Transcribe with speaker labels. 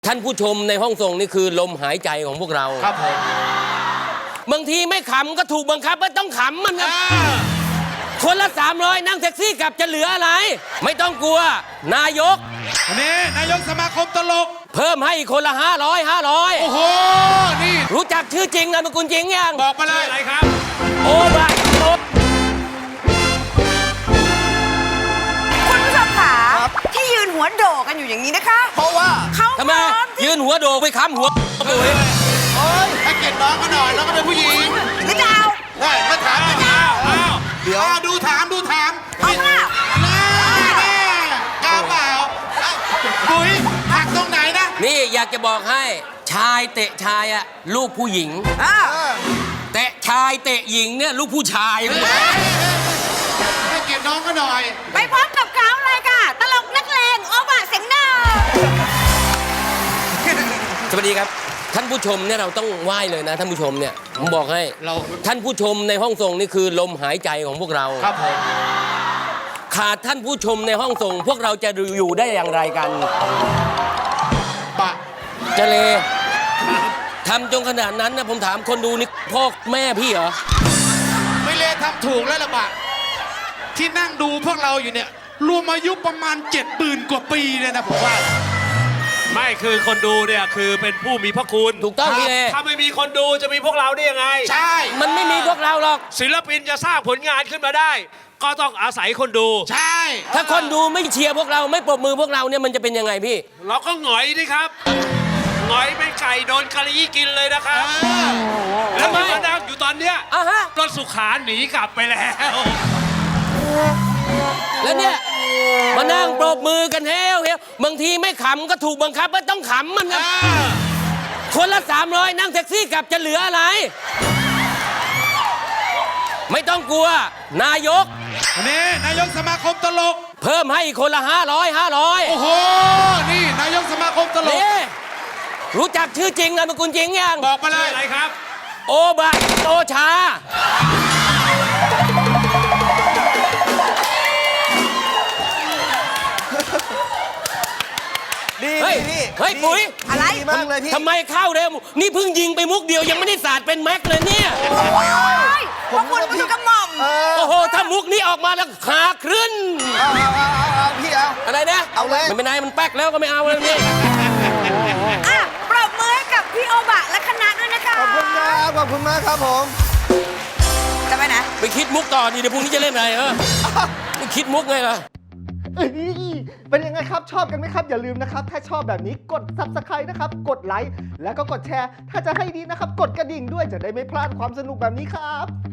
Speaker 1: ท่านผู้ชมในห้องส่งนี่คือลมหายใจของพวกเรา
Speaker 2: ครับผม
Speaker 1: บางทีไม่ขำก็ถูกบังคับว่าต้องขำมันครับคนละ300นั่งแท็กซี่กลับจะเหลืออะไรไม่ต้องกลัวนายก
Speaker 2: นี่นายกสมาคมตลก
Speaker 1: เพิ่มให้อีกคนละ500
Speaker 2: โอ้โหนี่
Speaker 1: รู้จักชื่อจริงนามสกุลจริงยัง
Speaker 2: บอกมาเลย
Speaker 3: อะไรครับ
Speaker 1: โอบะโอ
Speaker 4: คุณผู้ชมขาที่ยืนหัวโดกกันอยู่อย่างนี้นะคะ
Speaker 2: เพราะว่า
Speaker 4: เขา
Speaker 1: ทำไมยืนหัวโดกไปค้ำหัวปุ๋ย
Speaker 2: โอ้ยให้เกียรติน้องก็หน่อยน้องก็เป็นผู้หญิง
Speaker 4: หรือจะเอา
Speaker 2: ได้มาถามกันเดี๋ยวดูถาม
Speaker 4: เอาล่ะ
Speaker 2: แน่กล้าเปล่าปุ๋ยหักตรงไหนนะ
Speaker 1: นี่อยากจะบอกให้ชายเตะชายอะลูกผู้หญิงแต่ชายเตะหญิงเนี่ยลูกผู้ชาย
Speaker 2: ให้เกียรติน้องก็หน่อย
Speaker 4: ไปพบกับเขาเลยค่ะตลกนักเลงโอบะเสียงหน้า
Speaker 1: สวัสดีครับท่านผู้ชมเนี่ยเราต้องไหว้เลยนะท่านผู้ชมเนี่ยผมบอกให้ท่านผู้ชมในห้องส่งนี่คือลมหายใจของพวกเรา
Speaker 2: ครับผม
Speaker 1: ขาดท่านผู้ชมในห้องส่งพวกเราจะอยู่ได้อย่างไรกัน
Speaker 2: ปะ
Speaker 1: เจเลทำจนขนาดนั้นนะผมถามคนดูนี่พ่อแม่พี่เหรอ
Speaker 2: ไม่เลทำถูกแล้วล่ะบะที่นั่งดูพวกเราอยู่เนี่ยรวมอายุประมาณ70,000 กว่าปีเลยนะผมว่า
Speaker 3: ไม่คือคนดูเนี่ยคือเป็นผู้มีพระคุณ
Speaker 1: ถูกต้องพี่เล
Speaker 3: ถ้าไม่มีคนดูจะมีพวกเราได้ยังไง
Speaker 2: ใช่
Speaker 1: มันไม่มีพวกเราหรอก
Speaker 3: ศิลปินจะสร้างผลงานขึ้นมาได้ก็ต้องอาศัยคนดู
Speaker 2: ใช่
Speaker 1: ถ้าคนดูไม่เชียร์พวกเราไม่ปรบมือพวกเราเนี่ยมันจะเป็นยังไงพี่
Speaker 3: เราก็หงอยดิครับหงอยเป็นไก่โดนกะลีกินเลยนะครับแล้วมานั่งอยู่ตอนเนี้ยรถสุขาหนีกลับไปแล้ว
Speaker 1: แล้วเนี่ยมานั่งปรบมือกันเฮ้วบางทีไม่ขำก็ถูกบังคับว่าต้องขำมันครับคนละ300นั่งแท็กซี่กลับจะเหลืออะไรไม่ต้องกลัวนายก
Speaker 2: นี่นายกสมาคมตลก
Speaker 1: เพิ่มให้อีกคนละ500
Speaker 2: โอ้โหนี่นายกสมาคมตลก
Speaker 1: รู้จักชื่อจริงนามสกุลจริงยัง
Speaker 2: บอกมาเลย
Speaker 3: อะไรครับ
Speaker 1: โอบะโอชา
Speaker 5: ดีพี่
Speaker 1: เฮ้ยปุ๋ย
Speaker 4: อะไร
Speaker 5: มากเลยพี่
Speaker 1: ทำไมเข้าเร็วนี่เพิ่งยิงไปมุกเดียวยังไม่ได้สาดเป็นแม็กเลยเนี่ย
Speaker 4: พวกคุณผู้กำหม่อม
Speaker 1: โอ้โหถ้ามุกนี้ออกมาแล้วขาขึ้น
Speaker 5: เอาพี่เอา
Speaker 1: อะไรนะ
Speaker 5: เอาเลย
Speaker 1: ไม่เป็นไรมันแป๊กแล้วก็ไม่เอาเลยนี่
Speaker 4: ปรบมือให้กับพี่โอบะและคณะด้วยนะคะ
Speaker 5: ขอบคุณครับขอบคุณมากครับผม
Speaker 4: จะไปไหน
Speaker 1: ไปคิดมุกต่อดีเดี๋ยวพรุ่งนี้จะเล่นอะไรไม่คิดมุกไงล่ะ
Speaker 5: เป็นยังไงครับชอบกันไหมครับอย่าลืมนะครับถ้าชอบแบบนี้กด Subscribe นะครับกดไลค์แล้วก็กดแชร์ถ้าจะให้ดีนะครับกดกระดิ่งด้วยจะได้ไม่พลาดความสนุกแบบนี้ครับ